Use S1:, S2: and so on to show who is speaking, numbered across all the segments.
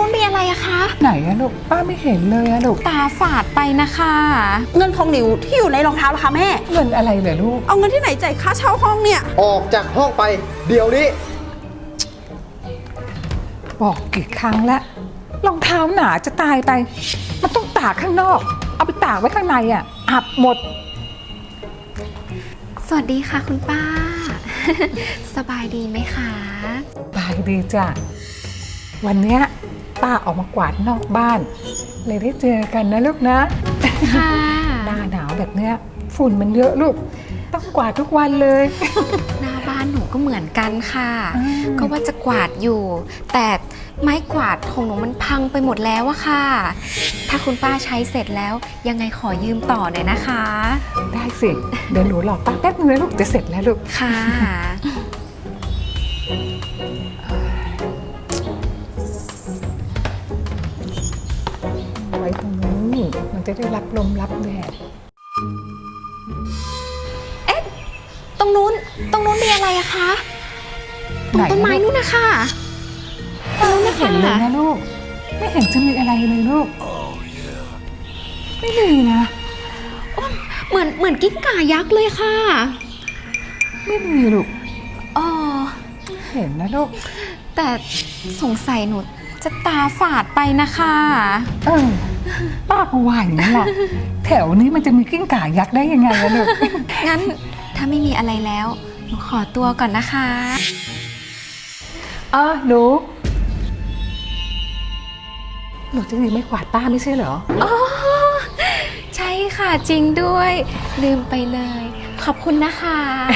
S1: นู้นมีอะไรอะคะ
S2: ไหนอะลูกป้าไม่เห็นเลยอะลูก
S1: ตาฝาดไปนะคะ
S3: เงินของหลิวที่อยู่ในรองเท้าล่ะคะแม่
S2: เงินอะไรเหรอลูก
S3: เอาเงินที่ไหนจ่ายค่าเช่าห้องเนี่ย
S4: ออกจากห้องไปเดี๋ยวนี้
S2: บอกกี่ครั้งแล้วรองเท้าหนาจะตายไป มันต้องตากข้างนอก เอาไปตากไว้ข้างในอะอับหมด
S1: สวัสดีค่ะคุณป้า สบายดีไหมคะ
S2: ตายดีจ้ะวันเนี้ยป้าออกมากวาดนอกบ้าน เลยได้เจอกันนะลูกนะ
S1: ค่ะ
S2: หน้าหนาวแบบเนี้ยฝุ่นมันเยอะลูก ต้องกวาดทุกวันเลย
S1: หน้าบ้านหนูก็เหมือนกันค่ะ
S2: อืม
S1: ก็ว่าจะกวาดอยู่ แต่ไม้กวาดของหนูมันพังไปหมดแล้วอะค่ะ ถ้าคุณป้าใช้เสร็จแล้วยังไงขอยืมต่อหน่อยนะคะ
S2: ได้สิเดี๋ยวหนูรอป้าแป๊บนึงนะลูกจะเสร็จแล้วลูก
S1: ค่ะ
S2: ไว้ตรงนี้มันจะได้รับลมรับแดด
S1: ตรงนู้นมีอะไรอะคะตรงต้นไม้นู่นนะคะตรงนู้น
S2: ไม่
S1: นะ
S2: เห็นเลย
S1: คะ
S2: นะลูก ไม่เห็นจะมีอะไรเลยลูกไม่มีนะ
S1: เหมือนกิ้งก่ายักษ์เลยค่ะ
S2: ไม่มีลูก
S1: อ๋อ
S2: เห็นนะลูก
S1: แต่สงสัยหนูจะตาฝาดไปนะคะ
S2: เออป้าก็ว่าอย่างนั้นแหละแถวนี้มันจะมีกิ้งก่ายักษ์ได้ยังไงล่ะลูก
S1: งั้นถ้าไม่มีอะไรแล้วหนูขอตัวก่อนนะคะ
S2: หนูจะมีไม้กวาดป้าไม่ใช่เหรอ
S1: อ๋อ ใช่ค่ะจริงด้วย ลืมไปเลย ขอบคุณนะคะ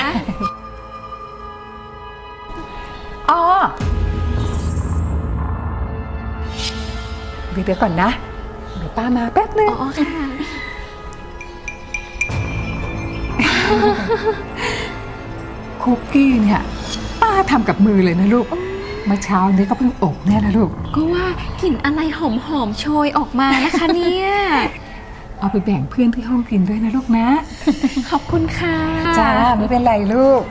S2: อ๋อเดี๋ยวก่อนนะ เดี๋ยวป้ามาแป๊บนึง
S1: อ๋อค่ะ
S2: คุกกี้เนี่ยป้าทำกับมือเลยนะลูกเมื่อเช้านี้ก็เพิ่งอบเนี่ยนะลูก
S1: ก็ว่ากลิ่นอะไรหอมๆโชยออกมานะคะเนี่ย
S2: เอาไปแบ่งเพื่อนที่ห้องกินด้วยนะลูกนะ
S1: ขอบคุณค่ะ
S2: จ้าไม่เป็นไรลูก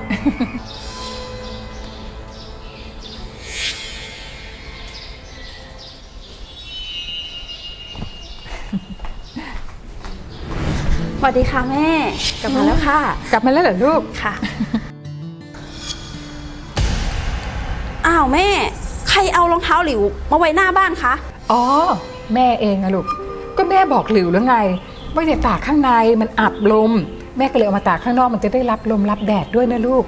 S3: สวัสดีค่ะแม่ กลับมาแล้วค่ะ
S2: กลับมาแล้วเหรอลูก
S3: ค่ะ อ้าวแม่ ใครเอารองเท้าหลิวมาไว้หน้าบ้านคะ
S2: อ๋อแม่เองอะลูกก็แม่บอกหลิวแล้วไงว่าอย่าตากข้างในมันอับลม แม่ก็เลยเอามาตากข้างนอกมันจะได้รับลมรับแดดด้วยนะลูก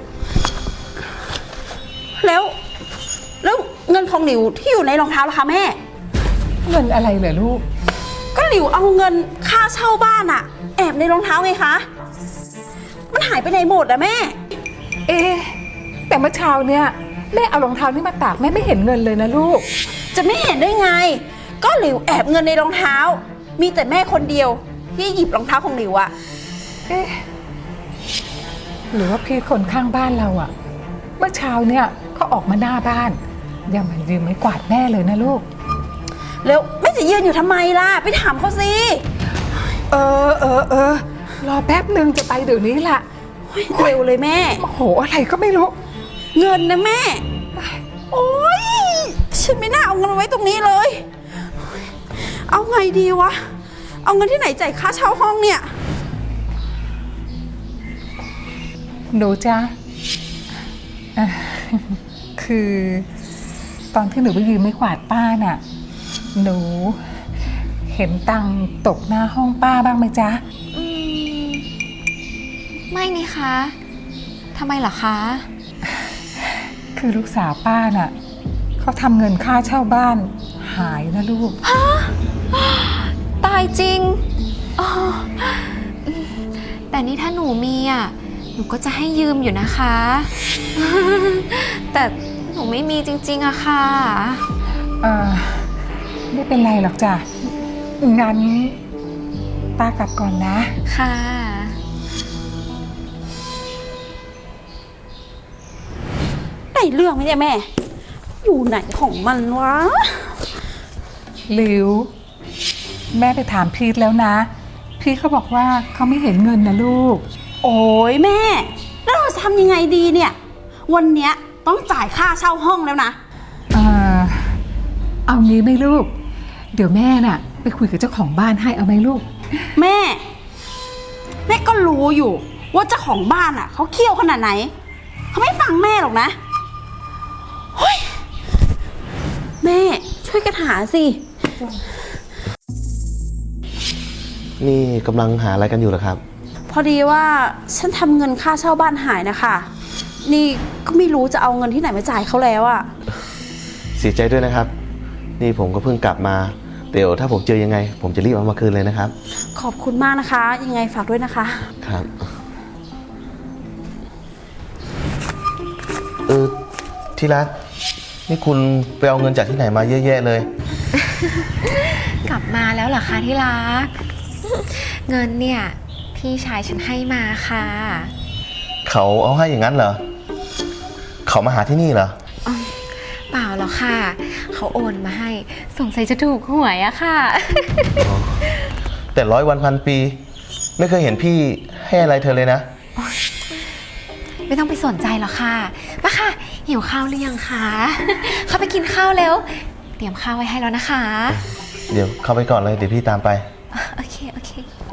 S3: แล้วเงินของหลิวที่อยู่ในรองเท้าล่ะคะแม่
S2: เงินอะไรเหรอลูก
S3: ก็หลิวเอาเงินค่าเช่าบ้านอะแอบในรองเท้าไงคะ มันหายไปไหนหมดอะแม่
S2: เอ๊ะแต่เมื่อเช้าเนี่ยแม่เอารองเท้านี่มาตากแม่ไม่เห็นเงินเลยนะลูก
S3: จะไม่เห็นได้ไง ก็หลิวแอบเงินในรองเท้า มีแต่แม่คนเดียวที่หยิบรองเท้าของหลิวอะ
S2: เอ๊ะหรือว่าพี่คนข้างบ้านเราอะเมื่อเช้าเนี่ยเขาออกมาหน้าบ้านอย่ามายืมไม้กวาดแม่เลยนะลูก
S3: แล้วแม่จะยืนอยู่ทำไมล่ะ ไปถามเขาสิ
S2: เออรอแป๊บหนึ่งจะไปเดี๋ยวนี้ล่ะ
S3: เร็วเลยแม่
S2: โอ้โหอะไรก็ไม่รู้
S3: เงินนะแม่ โอ๊ย ฉันไม่น่าเอาเงินไว้ตรงนี้เลย เอาไงดีวะ เอาเงินที่ไหนจ่ายค่าเช่าห้องเนี่ย
S2: หนูจ้ะอ่ะคือตอนที่หนูไปยืมไม้กวาดป้าน่ะ หนูเห็นตังค์ตกหน้าห้องป้าบ้างไหมจ๊ะ
S1: อืม ไม่นี่คะทำไมเหรอคะ
S2: คือลูกสาวป้าน่ะเขาทำเงินค่าเช่าบ้านหายนะลูก
S1: ตายจริงอ๋อแต่นี่ถ้าหนูมีอ่ะ หนูก็จะให้ยืมอยู่นะคะ แต่หนูไม่มีจริงๆอะค่ะ
S2: ไม่เป็นไรหรอกจ้ะ งั้นป้ากลับก่อนนะ
S1: ค่ะ
S3: ได้เรื่องไหมเนี่ยแม่ อยู่ไหนของมันวะ
S2: หลิว แม่ไปถามพีทแล้วนะ พีทเขาบอกว่าเขาไม่เห็นเงินนะลูก
S3: โอ้ยแม่ แล้วเราจะทำยังไงดีเนี่ย วันเนี้ยต้องจ่ายค่าเช่าห้องแล้วนะ
S2: เอเอางี้ไหมลูก เดี๋ยวแม่น่ะ ไปคุยกับเจ้าของบ้านให้เอาไหมลูก
S3: แม่ก็รู้อยู่ว่าเจ้าของบ้านอ่ะเขาเคี่ยวขนาดไหนเขาไม่ฟังแม่หรอกนะเฮ้ยแม่ช่วยกันหาสิ
S5: นี่กำลังหาอะไรกันอยู่เหรอครับ
S3: พอดีว่าฉันทำเงินค่าเช่าบ้านหายนะคะนี่ก็ไม่รู้จะเอาเงินที่ไหนมาจ่ายเขาแล้วอะ
S5: เสียใจด้วยนะครับ นี่ผมก็เพิ่งกลับมา เดี๋ยวถ้าผมเจอยังไง ผมจะรีบเอามาคืนเลยนะครับ
S3: ขอบคุณมากนะคะ ยังไงฝากด้วยนะคะ
S5: ครับที่รักนี่คุณไปเอาเงินจากที่ไหนมาเยอะแยะเลย
S1: กลับมาแล้วเหรอคะที่รัก เงินเนี่ยพี่ชายฉันให้มาค่ะ
S5: เขาเอาให้อย่างนั้นเหรอเขามาหาที่นี่เหรอ
S1: เปล่าหรอกค่ะ เขาโอนมาให้สงสัยจะถูกหวยอะค่ะ
S5: แต่100 วันพันปี ไม่เคยเห็นพี่ให้อะไรเธอเลยนะ
S1: ไม่ต้องไปสนใจหรอกค่ะมาค่ะหิวข้าวหรือยังคะ เข้าไปกินข้าวแล้ว เตรียมข้าวไว้ให้แล้วนะคะ
S5: เดี๋ยวเข้าไปก่อนเลยเดี๋ยวพี่ตามไป
S1: โอเคโอเค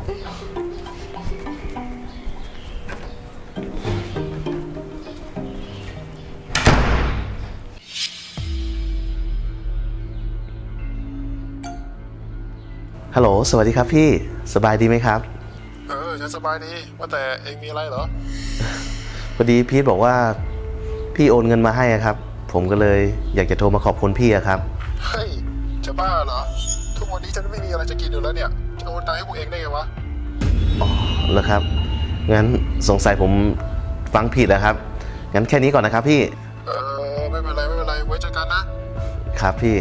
S5: ฮัลโหลสวัสดีครับพี่สบายดีไหมครับ
S6: ฉันสบายดีว่าแต่เองมีอะไรเหรอ
S5: พอดีพีทบอกว่าพี่โอนเงินมาให้อะครับ ผมก็เลยอยากจะโทรมาขอบคุณพี่อะครับ
S6: เฮ้ย จะบ้าเหรอ ทุกวันนี้ฉันไม่มีอะไรจะกินอยู่แล้วเนี่ย จะโอนตังค์ให้พวกเองได้ไงวะ
S5: อ๋อแล้วครับงั้นสงสัยผมฟังผิดนะครับงั้นแค่นี้ก่อนนะครับพี่
S6: ไม่เป็นไรไว้เจอกันนะครับ
S5: พี่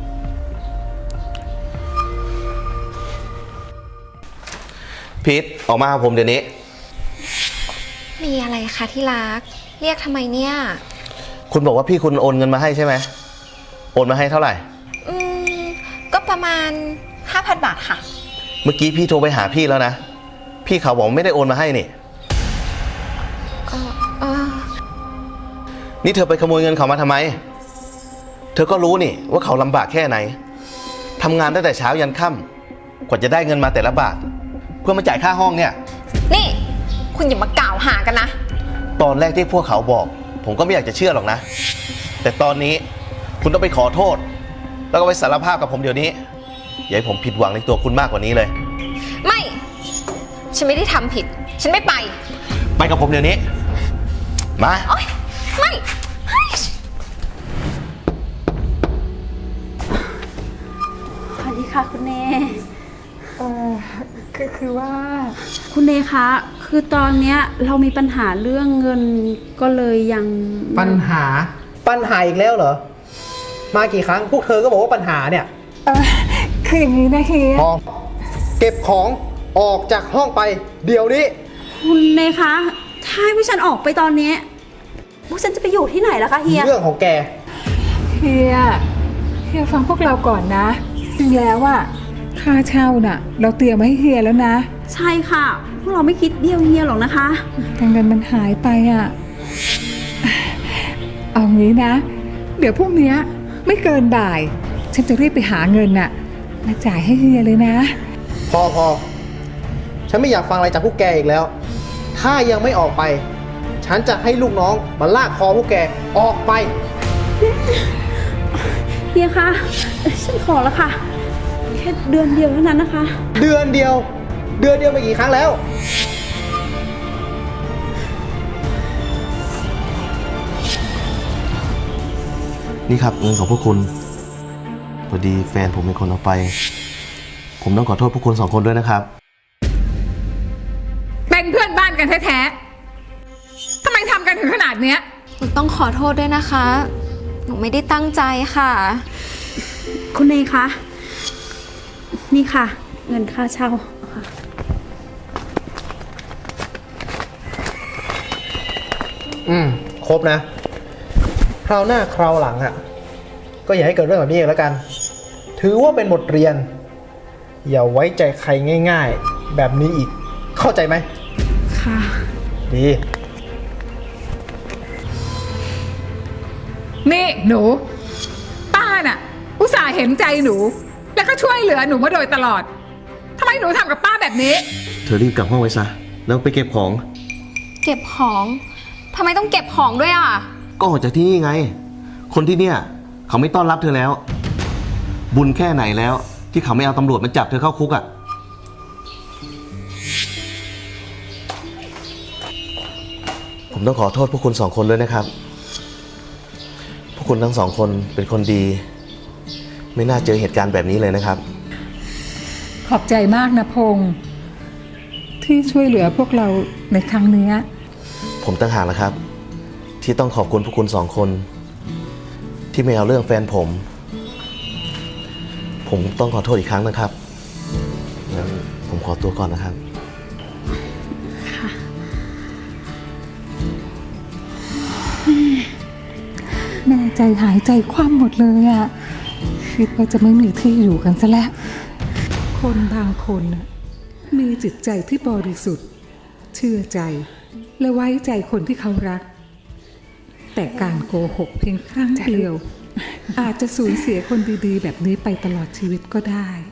S5: พีทออกมาหาผมเดี๋ยวนี้
S1: มีอะไรคะที่รัก เรียกทำไมเนี่ย
S5: คุณบอกว่าพี่คุณโอนเงินมาให้ใช่ไหมโอนมาให้เท่าไหร่
S1: ก็ประมาณ 5,000 บาทค่ะ
S5: เมื่อกี้พี่โทรไปหาพี่แล้วนะพี่เขาบอกไม่ได้โอนมาให้นี่นี่เธอไปขโมยเงินเขามาทำไมเธอก็รู้นี่ว่าเขาลำบากแค่ไหนทำงานตั้งแต่เช้ายันค่ำกว่าจะได้เงินมาแต่ละบาทเพื่อมาจ่ายค่าห้องเนี่ย
S1: นี่คุณอย่ามากล่าวหากันนะ
S5: ตอนแรกที่พวกเขาบอกผมก็ไม่อยากจะเชื่อหรอกนะแต่ตอนนี้คุณต้องไปขอโทษแล้วก็ไปสารภาพกับผมเดี๋ยวนี้อย่าให้ผมผิดหวังในตัวคุณมากกว่านี้เลย
S1: ไม่ ฉันไม่ได้ทำผิด ฉันไม่ไป
S5: ไปกับผมเดี๋ยวนี้มา
S1: โอ๊ยไม่เฮ้ย
S3: สวัสดีค่ะคุณเน
S2: คือว่า
S3: คุณเนคะคือตอนเนี้ยเรามีปัญหาเรื่องเงินก็เลยยัง
S4: ปัญหาอีกแล้วเหรอ มากี่ครั้งพวกเธอก็บอกว่าปัญหาเนี่ย
S2: คืออย่างนี้นะเฮีย
S4: พอเก็บของออกจากห้องไป เดี๋ยวนี้
S3: คุณเนคะถ้าให้พวกฉันออกไปตอนนี้พวกฉันจะไปอยู่ที่ไหนล่ะคะเฮีย
S4: เรื่องของแก
S2: เฮียฟังพวกเราก่อนนะจริงแล้วว่าค่าเช่าน่ะ เราเตรียมไว้ให้เฮียแล้วนะ
S3: ใช่ค่ะพวกเราไม่คิดเดียวเฮียหรอกนะคะ
S2: แต่เงินมันหายไปอ่ะ เอางี้นะ เดี๋ยวพรุ่งนี้ไม่เกินบ่าย ฉันจะรีบไปหาเงินน่ะ มาจ่ายให้เฮียเลยนะ
S4: พอฉันไม่อยากฟังอะไรจากพวกแกอีกแล้ว ถ้ายังไม่ออกไป ฉันจะให้ลูกน้องมาลากคอพวกแกออกไป
S3: เฮียคะฉันขอแล้วค่ะแค่เดือนเดียวเท่านั้นนะคะ
S4: เดือนเดียวไปกี่ครั้งแล้ว
S5: นี่ครับเงินของพวกคุณพอดีแฟนผมเป็นคนเอาไปผมต้องขอโทษพวกคุณ2 คนด้วยนะครับ
S2: เป็นเพื่อนบ้านกันแท้ๆทำไมทำกันถึงขนาดเนี้ย
S1: หนูต้องขอโทษด้วยนะคะ หนูไม่ได้ตั้งใจค่ะ
S3: คุณเนคะนี่ค่ะ เงินค่าเช่าค่ะ
S4: ครบนะ คราวหน้าคราวหลังก็อย่าให้เกิดเรื่องแบบนี้อีกแล้วกัน ถือว่าเป็นบทเรียน อย่าไว้ใจใครง่ายๆ แบบนี้อีก เข้าใจไหม
S3: ค่ะ
S4: ดี
S2: นี่หนูป้าน่ะ อุอุตส่าห์เห็นใจหนู แล้วก็ช่วยเหลือหนูมาโดยตลอดทำไมหนูทำกับป้าแบบนี้
S5: เธอรีบกลับห้องไว้ซะ แล้วไปเก็บของ
S1: เก็บของทำไมต้องเก็บของด้วยอ่ะ
S5: ก็ออกจากที่นี่ไง คนที่เนี่ยเขาไม่ต้อนรับเธอแล้ว บุญแค่ไหนแล้ว ที่เขาไม่เอาตำรวจมาจับเธอเข้าคุกอ่ะ ผมต้องขอโทษพวกคุณสองคนด้วยนะครับ พวกคุณทั้งสองคนเป็นคนดี ไม่น่าเจอเหตุการณ์แบบนี้เลยนะครับ
S2: ขอบใจมากนะพงษ์ที่ช่วยเหลือพวกเราในครั้งนี้
S5: ผมตั้งหากแล้วครับ ที่ต้องขอบคุณพวกคุณสองคน ที่ไม่เอาเรื่องแฟนผม ผมต้องขอโทษอีกครั้งนะครับงั้นผมขอตัวก่อนนะครับ
S2: แม่ใจหายใจคว่ำหมดเลยอะคิดว่าจะไม่มีที่อยู่กันซะแล้ว คนบางคนน่ะมีจิตใจที่บริสุทธิ์ เชื่อใจและไว้ใจคนที่เขารัก แต่การโกหกเพียงครั้งเดียว อาจจะสูญเสียคนดีๆ แบบนี้ไปตลอดชีวิตก็ได้